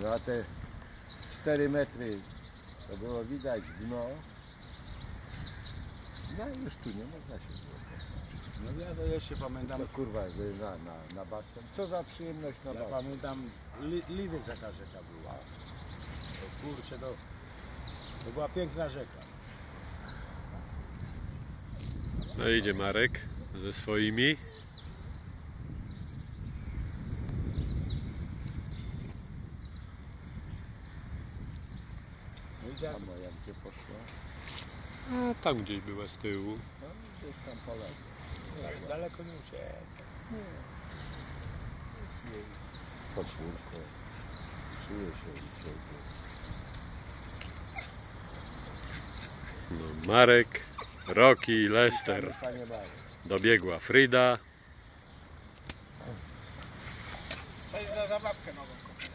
No a te 4 metry to było widać dno. No i już tu nie można się było popatrzeć. No ja to jeszcze pamiętam, To kurwa na basen. Co za przyjemność na ja basen. pamiętam Liwiec jaka rzeka była. To kurczę, to była piękna rzeka. No idzie Marek ze swoimi. No i jak, A moja gdzie poszła? A tam gdzieś była z tyłu. No gdzieś tam poległa. tak daleko nie uciekł. Jest jej podwórko. Czuje się u siebie. No, Marek, Rocky, Lester. Panie Marek. Dobiegła Frida. Cześć za zabawkę nową.